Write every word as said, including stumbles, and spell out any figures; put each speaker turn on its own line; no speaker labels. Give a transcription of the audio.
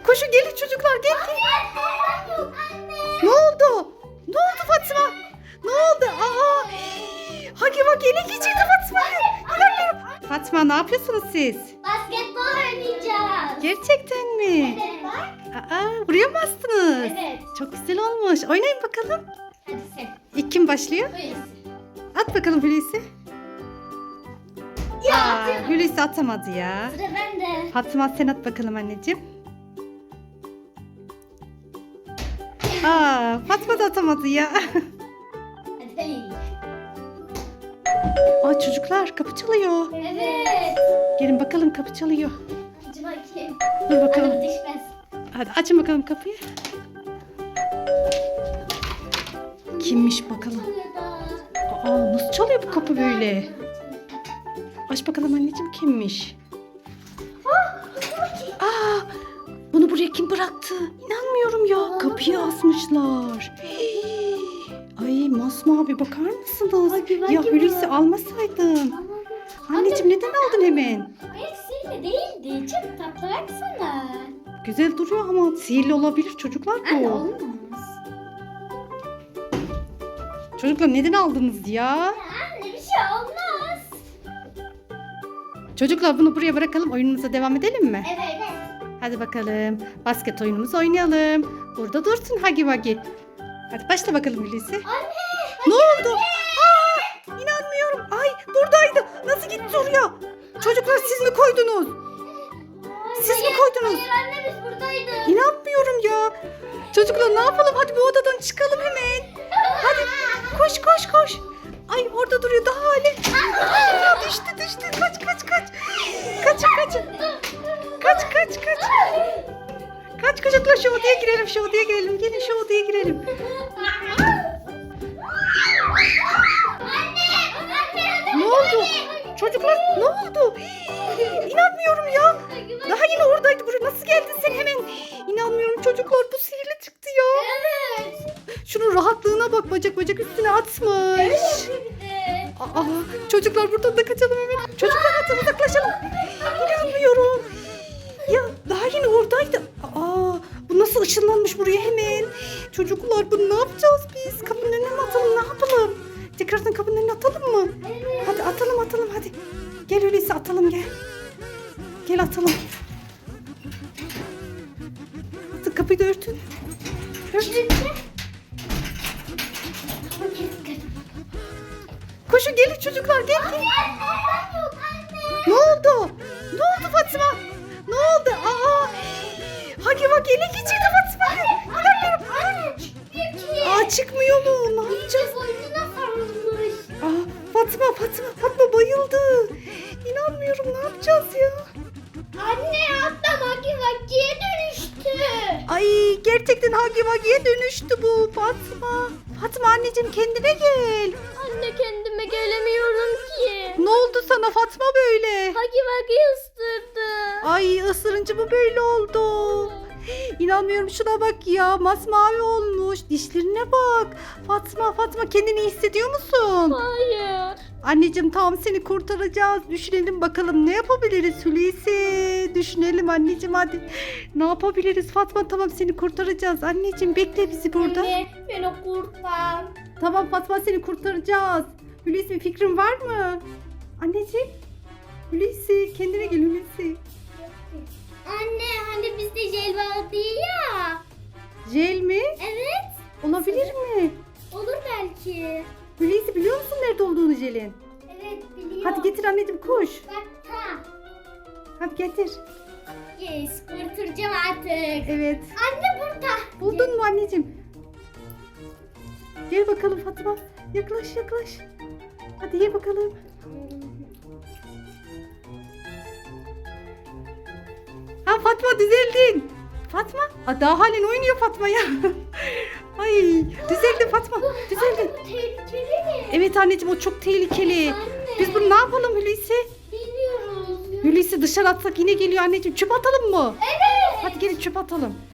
Koşun gelin çocuklar, gel gel. Ne oldu? Ne oldu Fatma? Ne oldu? Aa! Hagi Vagi ele geçirdi Fatma'yı. İnanmıyorum. Fatma ne yapıyorsunuz siz?
Basketbol oynayacağız.
Gerçekten mi?
Evet bak.
Aa, buraya mı astınız?
Evet.
Çok güzel olmuş. Oynayın bakalım.
Hadi sen.
İlk kim başlıyor?
Buyur.
At bakalım Hulusi.
Ya
Aa,
atıyorum.
Hulusi atamadı ya.
Sıra bende.
Fatma sen at bakalım anneciğim. Aa, Fatma da atamadı ya.
Hadi.
Aa, çocuklar kapı çalıyor.
Evet.
Gelin bakalım, kapı çalıyor.
Hadi bakayım.
Dur bakalım.
Hadi düşmez.
Hadi açın bakalım kapıyı. Kimmiş bakalım. Aa, nasıl çalıyor bu kapı böyle? Aç bakalım anneciğim, kimmiş? Aa, bunu buraya kim bıraktı? İnanmıyorum ya. Kapıyı asmışlar. Hii. Ay masmavi, bakar mısınız?
Hagi Vagi
Ya
bu.
Hulusi almasaydın. Anneciğim neden aldın hemen?
Hayır sihirli değildi. Çok tatlı baksana.
Güzel duruyor ama sihirli olabilir çocuklar
Anne
bu.
olmaz.
Çocuklar neden aldınız ya?
Anne bir şey olmaz.
Çocuklar bunu buraya bırakalım, oyunumuza devam edelim mi?
Evet.
Hadi bakalım. Basket oyunumuzu oynayalım. Burada dursun Hagi Vagi. Hadi başla bakalım Hulusi.
Anne.
Ne oldu? Aa, inanmıyorum. Ay buradaydı. Nasıl gitti oraya? Çocuklar siz mi koydunuz? Siz mi
Hayır,
koydunuz?
Hayır anne biz buradaydık.
İnanmıyorum ya. Çocuklar ne yapalım? Hadi bu odadan çıkalım hemen. Hadi koş koş koş. Ay orada duruyor daha hali. Aa, düştü düştü. Kaç kaç kaç. Kaçın kaçın. Kaç kaç kaç. Kaç çocuklar, şu odaya girelim, şu odaya girelim. Gelin şu odaya girelim. Ne oldu? Çocuklar ne oldu? Hii, İnanmıyorum ya. Daha yine oradaydı. Buraya nasıl geldin sen hemen? İnanmıyorum çocuklar, bu sihirli çıktı ya.
Evet.
Şunun rahatlığına bak, bacak bacak üstüne atmış. Aa, çocuklar buradan da kaçalım hemen. Çocuklar hadi uzaklaşalım. İnanmıyorum. Ya daha yine oradaydı. Aa, bu nasıl ışınlanmış buraya hemen? Çocuklar bunu ne yapacağız biz? Kapının önüne mi atalım, ne yapalım? Tekrardan kapının önüne atalım mı? Hadi atalım atalım hadi. Gel öyleyse atalım gel. Gel atalım. Artık kapıyı da örtün. Örtün. Koşun gelin çocuklar, gel gel. Ne oldu? Ne oldu Fatma? Ne oldu? Aa! Hagi Vagi ele geçirdi Fatma'yı. İnanmıyorum. Aa, çıkmıyor mu? Ne yapacağız? Aa, Fatma Fatma Fatma bayıldı. İnanmıyorum, ne yapacağız ya?
Anne hatta Hagi Vagi'ye dönüştü.
Ay gerçekten Hagi Vagi'ye dönüştü bu Fatma. Fatma anneciğim kendine gel.
Anne kendime gelemiyorum ki.
Ne oldu sana Fatma böyle?
Hagi Vagi ısırdı.
Ay ısırınca mı böyle oldu? İnanmıyorum, şuna bak ya, masmavi olmuş. Dişlerine bak. Fatma Fatma kendini iyi hissediyor musun?
Hayır.
Anneciğim tamam, seni kurtaracağız. Düşünelim bakalım ne yapabiliriz Hulusi? Düşünelim anneciğim hadi. Ne yapabiliriz Fatma, tamam seni kurtaracağız. Anneciğim bekle bizi burada.
Anne beni kurtar.
Tamam Fatma, seni kurtaracağız. Hulusi bir fikrin var mı? Anneciğim. Hulusi kendine gel Hulusi.
Anne hani bizde jel vardı ya.
Jel mi?
Evet.
Olabilir mi?
Olur belki.
Hulusi biliyor musun nerede olduğunu jelin?
Evet biliyorum.
Hadi getir anneciğim, koş.
Bak ta.
Hadi getir.
Yes kurtaracağım artık.
Evet.
Anne burada.
Buldun mu anneciğim? Gel bakalım Fatma. Yaklaş yaklaş. Hadi ye bakalım. Ha Fatma, düzeldin. Fatma. Aa, daha halen oynuyor Fatma ya. Ay düzeldin Fatma. Düzeldin.
Bu tehlikeli mi?
Evet anneciğim, o çok tehlikeli.
Anne.
Biz bunu ne yapalım Hulusi?
Bilmiyoruz.
Hulusi dışarı atsak yine geliyor anneciğim. Çöp atalım mı?
Evet.
Hadi gelin çöp atalım.